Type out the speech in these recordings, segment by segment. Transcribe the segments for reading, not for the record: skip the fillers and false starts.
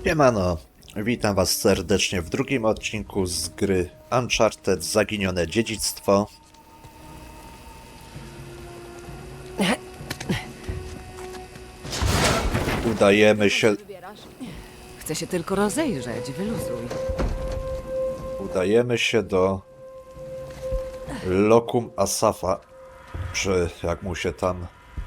Siemano, witam was serdecznie w drugim odcinku z gry Uncharted Zaginione Dziedzictwo. Udajemy się, Chcę się tylko rozejrzeć, wyluzuj. do Lokum Asafa, czy jak mu się tam...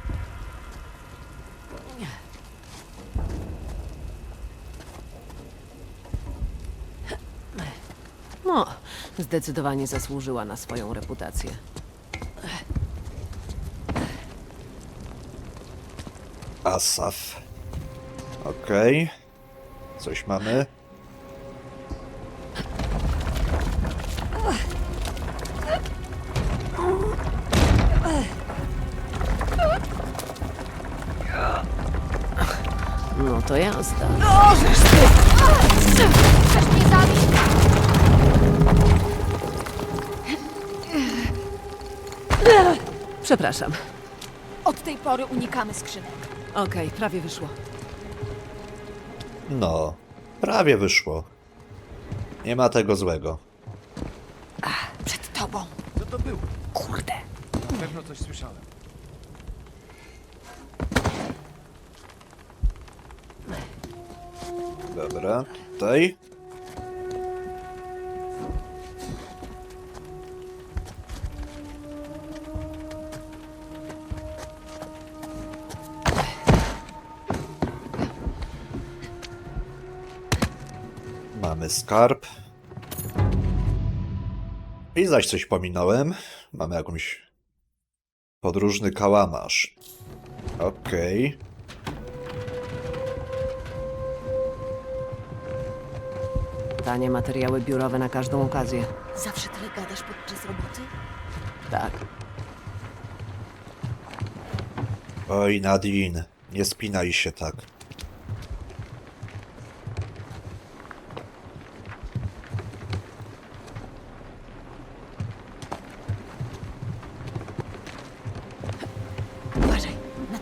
No, zdecydowanie zasłużyła na swoją reputację. Asaf. Okej. Coś mamy? No to jazda. Chcesz mnie zabić? Przepraszam. Od tej pory unikamy skrzynek. Okej, prawie wyszło. No, prawie wyszło. Nie ma tego złego. Przed tobą. Co to było? Kurde. Pewno coś słyszałem. Dobra, tutaj. Mamy skarb. I zaś coś pominąłem. Mamy jakąś podróżny kałamarz. Okej. Tanie materiały biurowe na każdą okazję. Zawsze tyle gadasz podczas roboty? Tak. Oj, Nadine, nie spinaj się tak. Uważaj. Na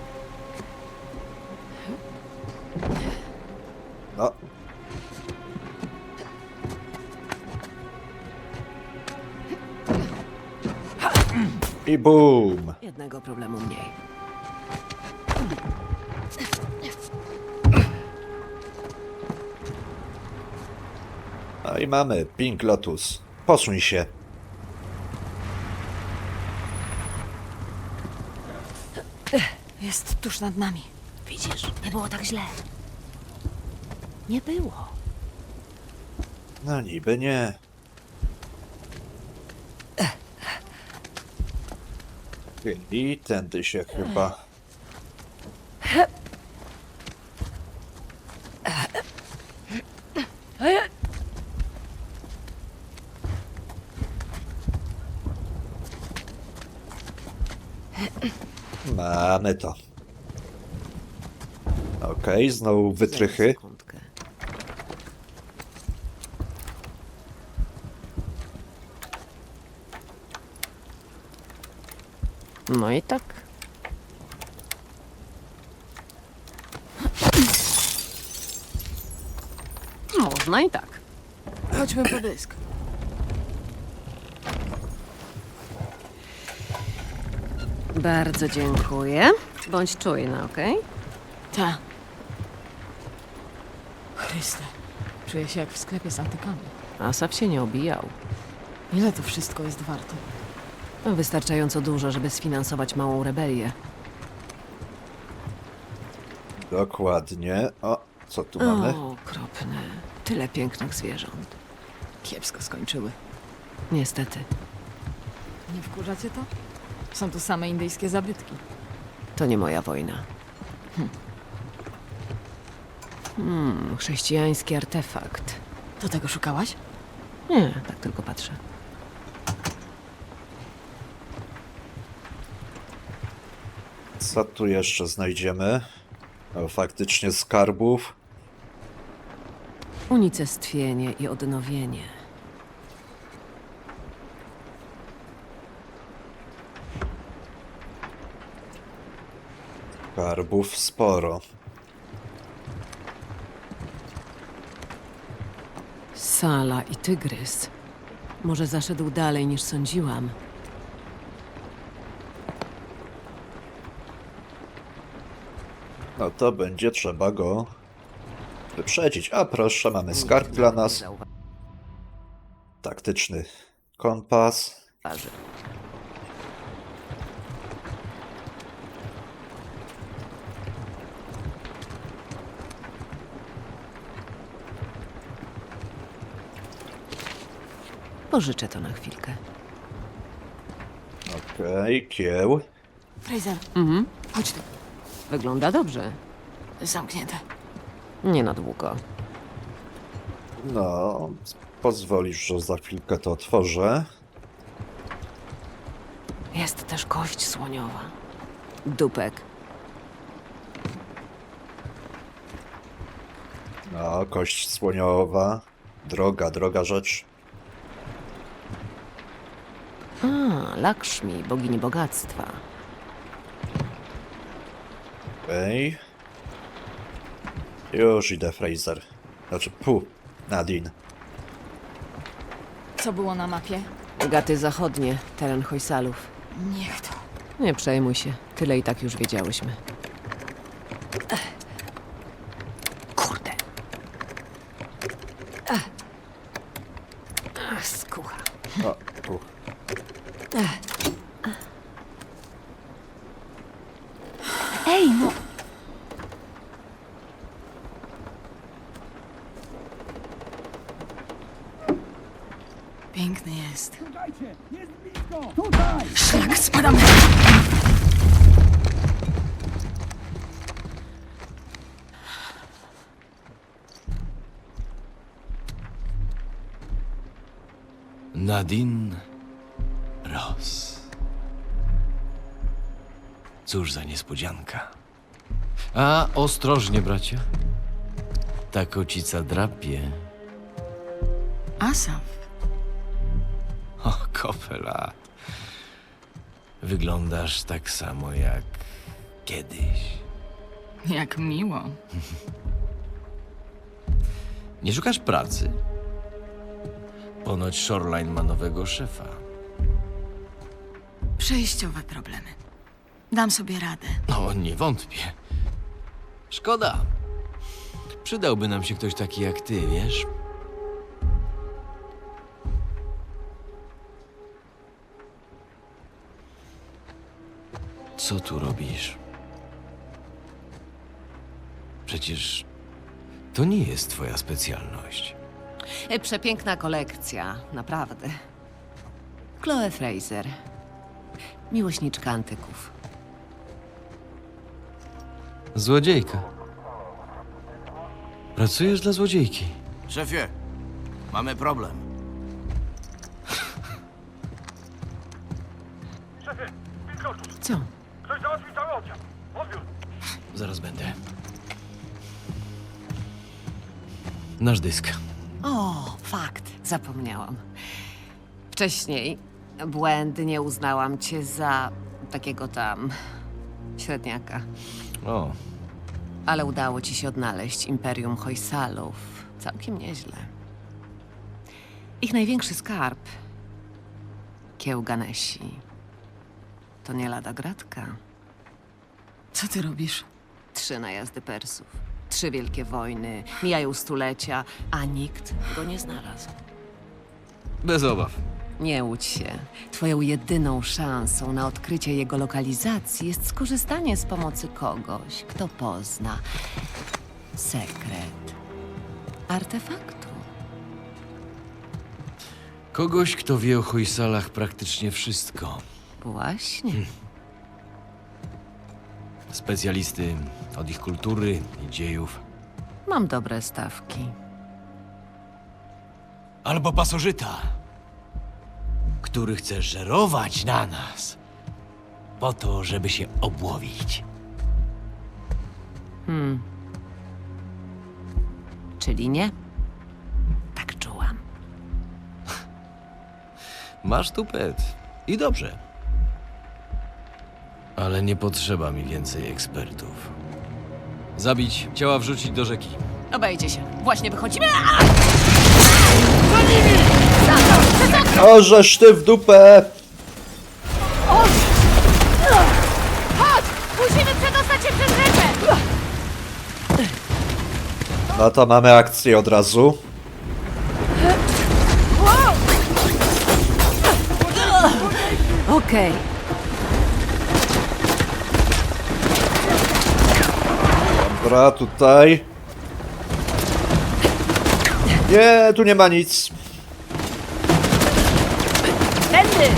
No. I boom! Jednego problemu mniej. No i mamy Pink Lotus. Posuń się. Jest tuż nad nami. Widzisz? Nie było tak źle. Nie było. No niby nie. I tędy się chyba... Mamy to. Okej, znowu wytrychy. Sekundkę. No i tak. Można i tak. Chodźmy po dysk. Bardzo dziękuję. Bądź czujna, okej? Ta. Chryste. Czuję się jak w sklepie z antykami. Asaf się nie obijał. Ile to wszystko jest warte? Wystarczająco dużo, żeby sfinansować małą rebelię. Dokładnie. O, co tu mamy? O, okropne. Tyle pięknych zwierząt. Kiepsko skończyły. Niestety. Nie wkurzacie to? Są tu same indyjskie zabytki. To nie moja wojna. Chrześcijański artefakt. Do tego szukałaś? Nie, tak tylko patrzę. Co tu jeszcze znajdziemy? O, faktycznie skarbów. Unicestwienie i odnowienie. Skarbów sporo. Sala i tygrys. Może zaszedł dalej niż sądziłam. No to będzie trzeba go wyprzedzić. A proszę, mamy skarb dla nas. Taktyczny kompas. Zauważy. Pożyczę to na chwilkę. Okej, kieł. Fraser, chodź tu. Wygląda dobrze. Zamknięte. Nie na długo. No, pozwolisz, że za chwilkę to otworzę. Jest też kość słoniowa. Dupek. No, kość słoniowa. Droga rzecz. A, Lakshmi, bogini bogactwa. Okej. Już idę, Fraser. Znaczy, Nadine. Co było na mapie? Gaty zachodnie, teren Hojsalów. Niech to. Nie przejmuj się, tyle i tak już wiedziałyśmy. Kurde. Skucha. O, tu. Ej, no! Piękny jest. Szlak, spadamy! Nadine Ross. Cóż za niespodzianka. A, ostrożnie, bracia. Ta kocica drapie. Asaf. O, kopela. Wyglądasz tak samo jak kiedyś. Jak miło. Nie szukasz pracy? Ponoć Shoreline ma nowego szefa. Przejściowe problemy. Dam sobie radę. No, nie wątpię. Szkoda. Przydałby nam się ktoś taki jak ty, wiesz? Co tu robisz? Przecież to nie jest twoja specjalność. Przepiękna kolekcja, naprawdę. Chloe Fraser. Miłośniczka antyków. Złodziejka. Pracujesz dla złodziejki. Szefie, mamy problem. Co? Zaraz będę. Nasz dysk. O, fakt. Zapomniałam. Wcześniej błędnie uznałam cię za takiego tam średniaka. O, Ale udało ci się odnaleźć Imperium Hojsalów. Całkiem nieźle. Ich największy skarb, kieł Ganesi, to nie lada gratka. Co ty robisz? 3 najazdy Persów, 3 wielkie wojny, mijają stulecia, a nikt go nie znalazł. bez obaw. Nie łudź się. Twoją jedyną szansą na odkrycie jego lokalizacji jest skorzystanie z pomocy kogoś, kto pozna sekret artefaktu. Kogoś, kto wie o Hojsalach praktycznie wszystko. Właśnie. Specjalisty od ich kultury i dziejów. Mam dobre stawki. Albo pasożyta, który chce żerować na nas po to, żeby się obłowić. Czyli nie? Tak czułam. Masz tupet. I dobrze. Ale nie potrzeba mi więcej ekspertów. Zabić, ciała wrzucić do rzeki. Obejdzie się. Właśnie wychodzimy. O, żeż ty w dupę! Chodź! Musimy przedostać się przez rzekę! No to mamy akcję od razu. Okej. Dobra, tutaj. Nie, tu nie ma nic. Tędy!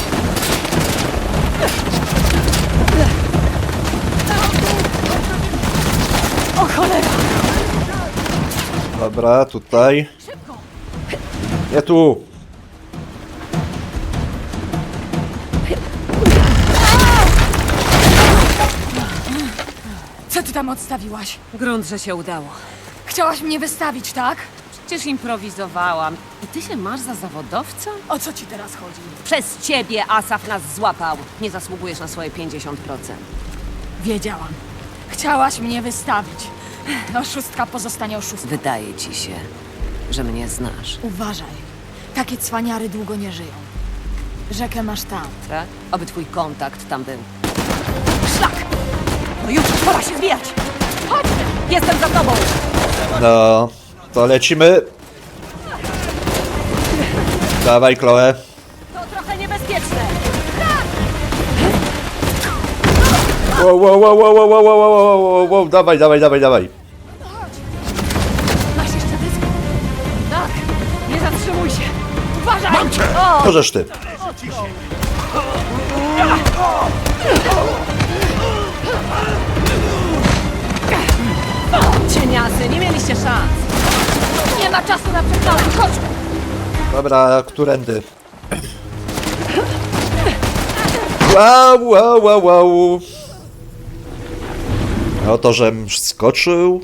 O cholera! Dobra, tutaj. Nie tu. Co ty tam odstawiłaś? Grunt, że się udało. Chciałaś mnie wystawić, tak? Przecież improwizowałam. I ty się masz za zawodowca? O co ci teraz chodzi? Przez ciebie Asaf nas złapał. Nie zasługujesz na swoje 50%. Wiedziałam. Chciałaś mnie wystawić. Oszustka pozostanie oszustką. Wydaje ci się, że mnie znasz. Uważaj. Takie cwaniary długo nie żyją. Rzekę masz tam. Tak? Oby twój kontakt tam był. Szlak! No już, pora się zbijać! Chodź! Jestem za tobą! No, to lecimy. Dawaj, Chloe. To trochę niebezpieczne! Wow, wow, wow, wow, wow, wow, wow, wow, wow, wow, dawaj, dawaj, dawaj, dawaj. Masz jeszcze dysk? Tak. Nie zatrzymuj się. Uważaj! Mam cię! Możesz ty. Cieniasy, nie mieliście szans! Nie ma czasu na przechwałę. Chodź! Dobra, którędy? Wow, wow, wow, wow. No to, żem skoczył.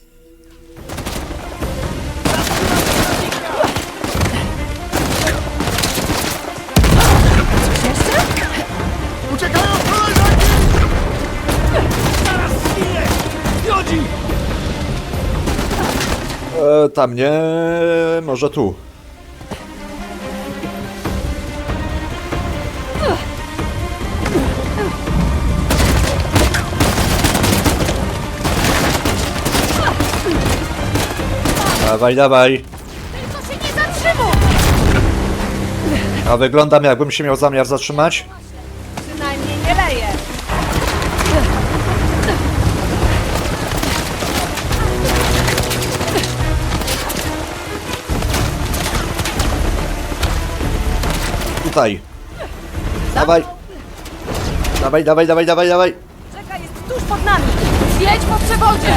Tam nie, może tu. Dawaj, dawaj. Tylko się nie zatrzymuj! A wyglądam, jakbym się miał zamiar zatrzymać. Przynajmniej nie leje! Tutaj. Dawaj. Dawaj, dawaj, dawaj, dawaj, dawaj. Rzeka jest tuż pod nami! Zjedź po przewodzie!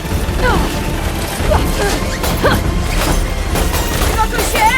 Gotuj się!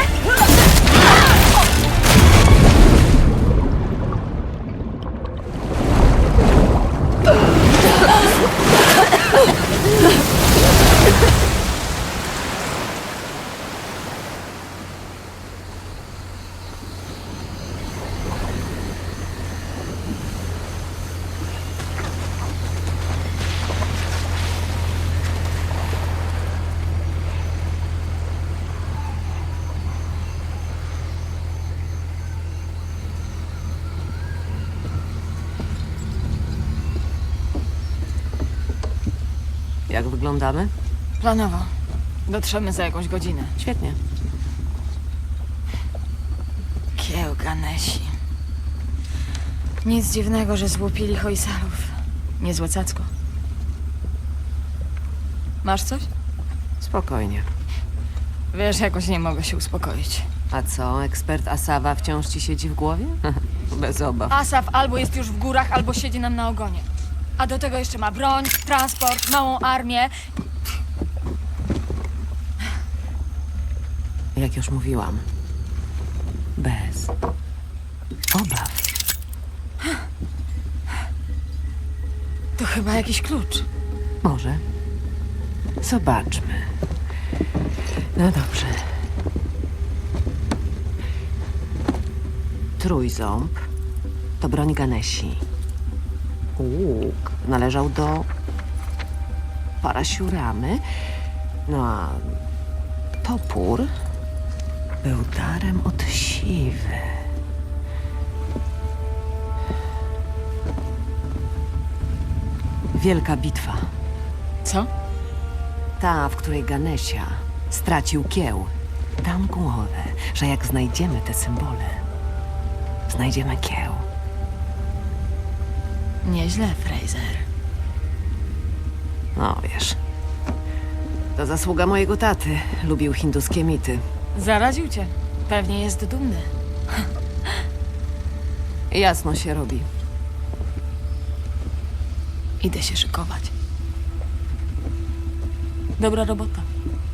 Jak wyglądamy? Planowo. Dotrzemy za jakąś godzinę. Świetnie. Kiełganesi. Nic dziwnego, że złupili hojsalów. Niezłe cacko. Masz coś? Spokojnie. Wiesz, jakoś nie mogę się uspokoić. A co, ekspert Asawa wciąż ci siedzi w głowie? Bez obaw. Asaf albo jest już w górach, albo siedzi nam na ogonie. A do tego jeszcze ma broń, transport, małą armię. Jak już mówiłam. Bez obaw. To chyba jakiś klucz. Może. Zobaczmy. No dobrze. Trójząb to broń Ganesi. Łuk należał do Parasiuramy. No a topór Był darem od siwy. Wielka bitwa. Co? Ta, w której Ganesha stracił kieł. Dam głowę, że jak znajdziemy te symbole, znajdziemy kieł. Nieźle, Fraser. No wiesz, to zasługa mojego taty. Lubił hinduskie mity. Zaraził cię. Pewnie jest dumny. Jasno się robi. Idę się szykować. Dobra robota.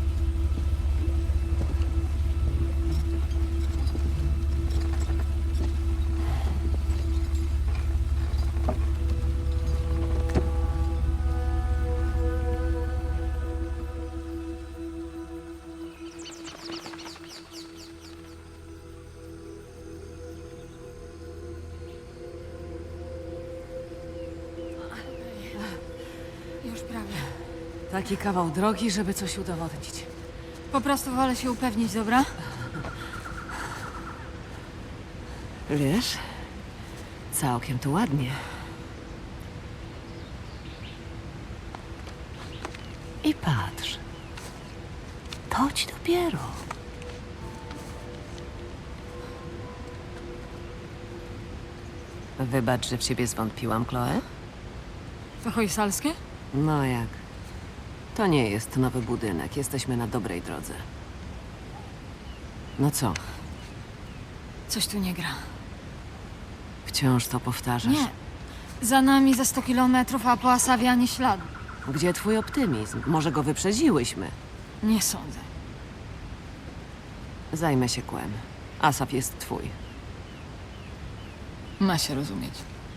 Już prawie. Taki kawał drogi, żeby coś udowodnić. Po prostu wolę się upewnić, dobra? Wiesz, całkiem tu ładnie. I patrz. To ci dopiero. Wybacz, że w ciebie zwątpiłam, Chloe? To hojsalskie? No jak? To nie jest nowy budynek. Jesteśmy na dobrej drodze. No co? Coś tu nie gra. Wciąż to powtarzasz? Nie. Za nami za 100 kilometrów, a po Asawie ani śladu. Gdzie twój optymizm? Może go wyprzedziłyśmy? Nie sądzę. Zajmę się kłem. Asaf jest twój. Ma się rozumieć.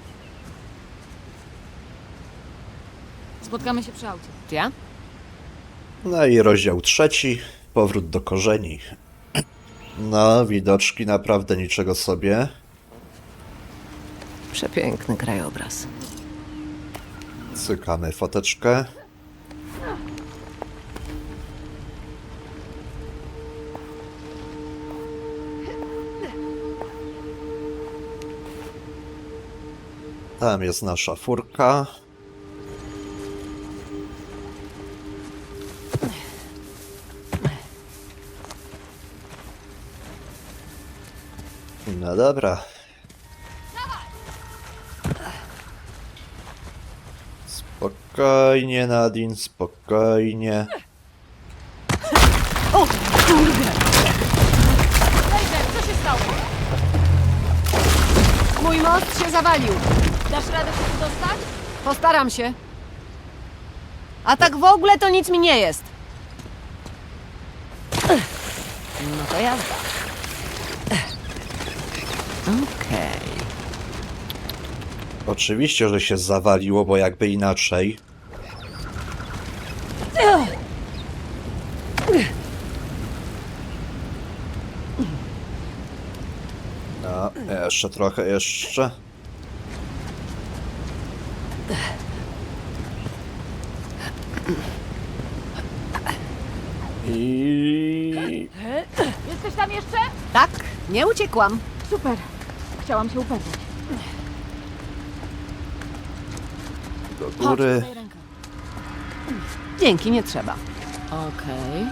Spotkamy się przy aucie. Ja? No i rozdział 3. Powrót do korzeni. No, widoczki naprawdę niczego sobie. Przepiękny krajobraz. Cykamy foteczkę. Tam jest nasza furka. No dobra. Spokojnie, Nadine, spokojnie. O, kurde! Co się stało? Mój most się zawalił. Dasz radę się tu dostać? Postaram się. A tak w ogóle to nic mi nie jest. No to jazda. Okej. Oczywiście, że się zawaliło, bo jakby inaczej. No, jeszcze trochę, jeszcze. I... Jesteś tam jeszcze? Tak, nie uciekłam. Super. Chciałam się upewnić. do góry. Daj rękę. Dzięki, nie trzeba. Okej.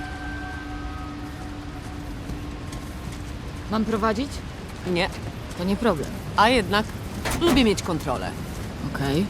Mam prowadzić? Nie, To nie problem. a jednak lubię mieć kontrolę. Okej.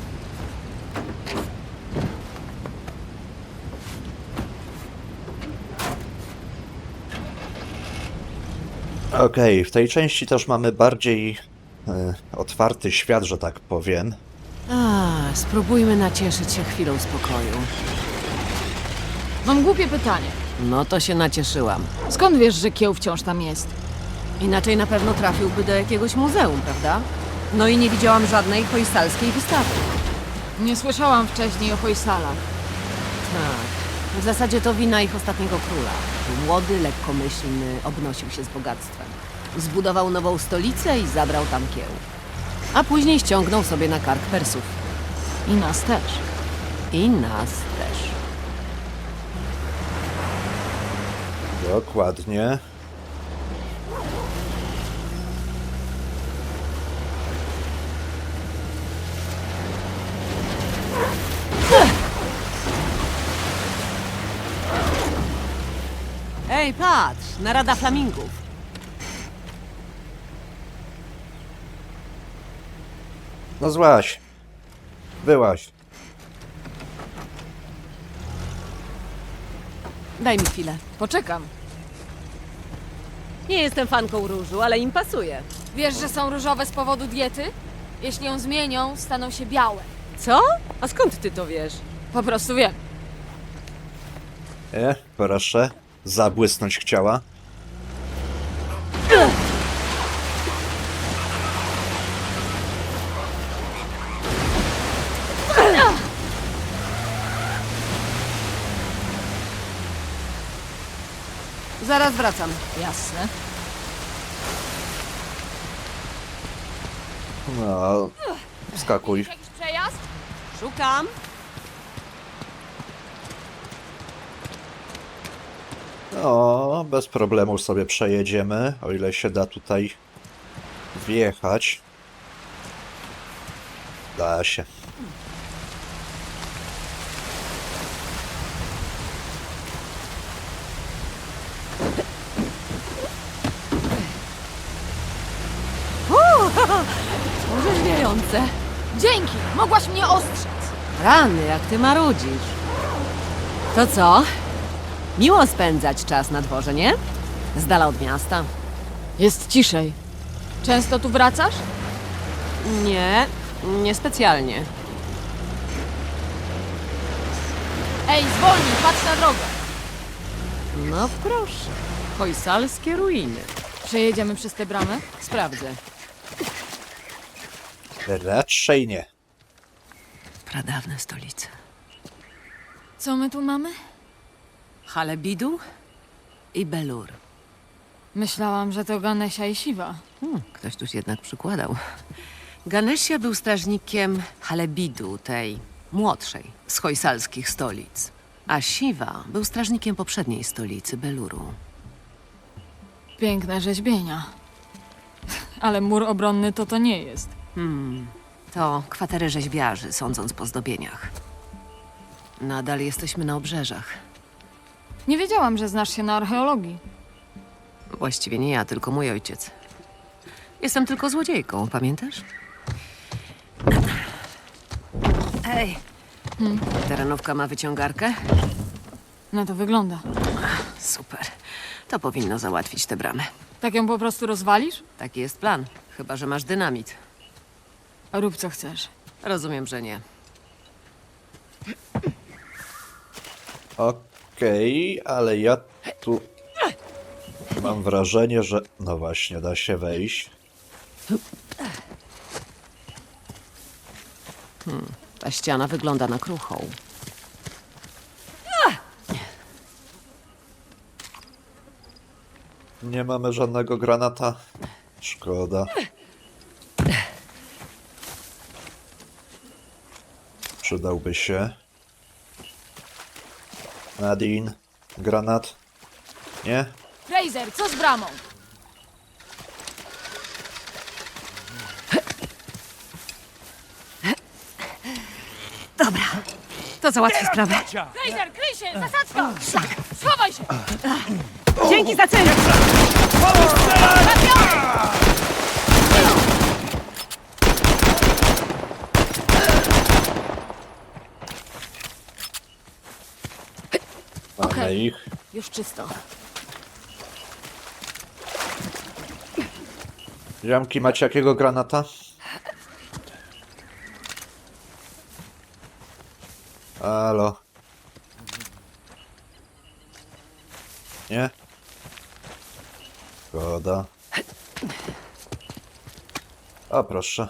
Okej, w tej części też mamy bardziej otwarty świat, że tak powiem. Spróbujmy nacieszyć się chwilą spokoju. Mam głupie pytanie. No to się nacieszyłam. Skąd wiesz, że kieł wciąż tam jest? Inaczej na pewno trafiłby do jakiegoś muzeum, prawda? No i nie widziałam żadnej hojsalskiej wystawy. Nie słyszałam wcześniej o hojsalach. Tak. W zasadzie to wina ich ostatniego króla. Młody, lekkomyślny, obnosił się z bogactwem. Zbudował nową stolicę i zabrał tam kieł. A później ściągnął sobie na kark Persów. I nas też. I nas też. Dokładnie. Hej, patrz, narada flamingów. No złaś. Byłaś. Daj mi chwilę. Poczekam. Nie jestem fanką różu, ale im pasuje. Wiesz, że są różowe z powodu diety? Jeśli ją zmienią, staną się białe. Co? A skąd ty to wiesz? Po prostu wiem. Proszę. Zabłysnąć chciała. Zaraz wracam. Jasne. No, wskakuj. Jakiś przejazd? Szukam. No, bez problemu sobie przejedziemy, o ile się da tutaj wjechać. Da się. Orzeźwiające. Dzięki! Mogłaś mnie ostrzec. Rany, jak ty marudzisz. To co? Miło spędzać czas na dworze, nie? Z dala od miasta. Jest ciszej. Często tu wracasz? Nie, niespecjalnie. Ej, zwolnij, patrz na drogę. No proszę. Hojsalskie ruiny. Przejedziemy przez tę bramę? Sprawdzę. Raczej nie. Pradawne stolice. Co my tu mamy? Halebidu i Belur. Myślałam, że to Ganesia i Siwa. Ktoś tu się jednak przykładał. Ganesia był strażnikiem Halebidu, tej młodszej z hojsalskich stolic. A Siwa był strażnikiem poprzedniej stolicy, Beluru. Piękne rzeźbienia. Ale mur obronny to nie jest. To kwatery rzeźbiarzy, sądząc po zdobieniach. Nadal jesteśmy na obrzeżach. Nie wiedziałam, że znasz się na archeologii. Właściwie nie ja, tylko mój ojciec. Jestem tylko złodziejką, pamiętasz? Ej, terenówka ma wyciągarkę? Na to wygląda. Super. To powinno załatwić tę bramę. Tak ją po prostu rozwalisz? Taki jest plan. Chyba że masz dynamit. Rób co chcesz. Rozumiem, że nie. Okej, ale ja tu mam wrażenie, że... No właśnie, da się wejść. Ta ściana wygląda na kruchą. Nie mamy żadnego granata. Szkoda. Przydałby się. Nadine. Granat. Nie? Fraser, co z bramą? To załatwi sprawę. Fraser, kryj się! Zasadzka! Schowaj się! Dzięki za cel! Mamy Okej. ich. Już czysto. Ziomki, macie jakiego granata? Halo. Nie? Szkoda. O, proszę.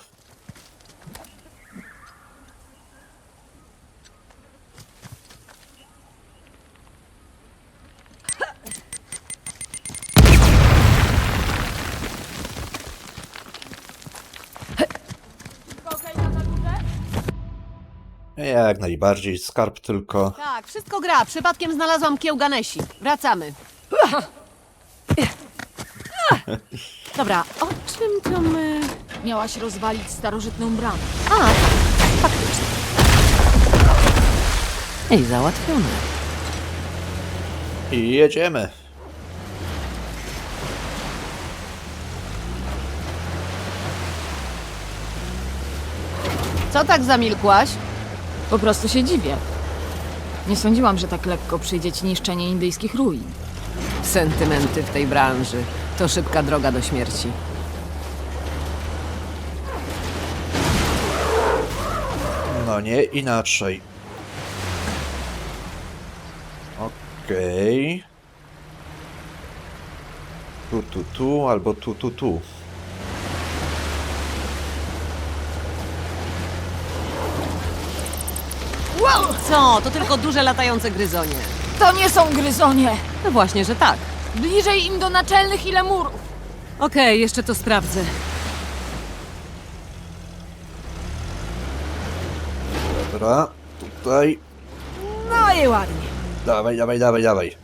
Okej, na górze? Jak najbardziej. Skarb tylko. Tak, wszystko gra. Przypadkiem znalazłam kieł Ganesi. Wracamy. Dobra, o czym to my... Miałaś rozwalić starożytną bramę. A, faktycznie. I załatwione. I jedziemy. Co tak zamilkłaś? Po prostu się dziwię. Nie sądziłam, że tak lekko przyjdzie ci niszczenie indyjskich ruin. Sentymenty w tej branży. To szybka droga do śmierci. No nie inaczej. Okej. Tu, albo tu. Co? To tylko duże latające gryzonie. To nie są gryzonie! No właśnie, że tak. Bliżej im do naczelnych i lemurów! Okej, jeszcze to sprawdzę. Dobra, tutaj. No i ładnie. Dawaj.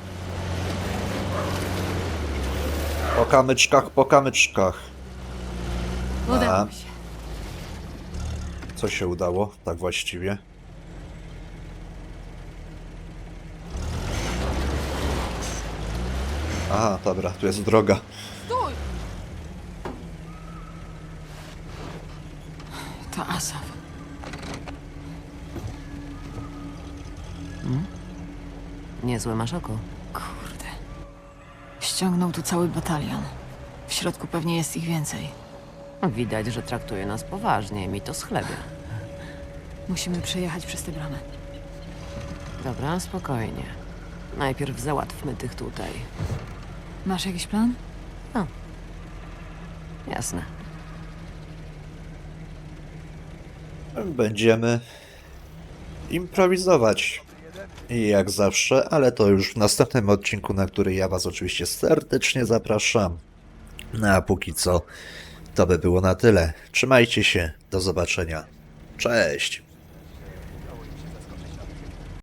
Po kamyczkach. Udało mi się. Co się udało, tak właściwie? Aha, dobra, tu jest droga. Stój! To Asaf. Niezłe masz oko. Kurde. Ściągnął tu cały batalion. W środku pewnie jest ich więcej. Widać, że traktuje nas poważnie. Mi to schlebia. Musimy przejechać przez tę bramę. Dobra, spokojnie. Najpierw załatwmy tych tutaj. Masz jakiś plan? Jasne. Będziemy improwizować. I jak zawsze, ale to już w następnym odcinku, na który ja was oczywiście serdecznie zapraszam. No a póki co, to by było na tyle. Trzymajcie się, do zobaczenia. Cześć!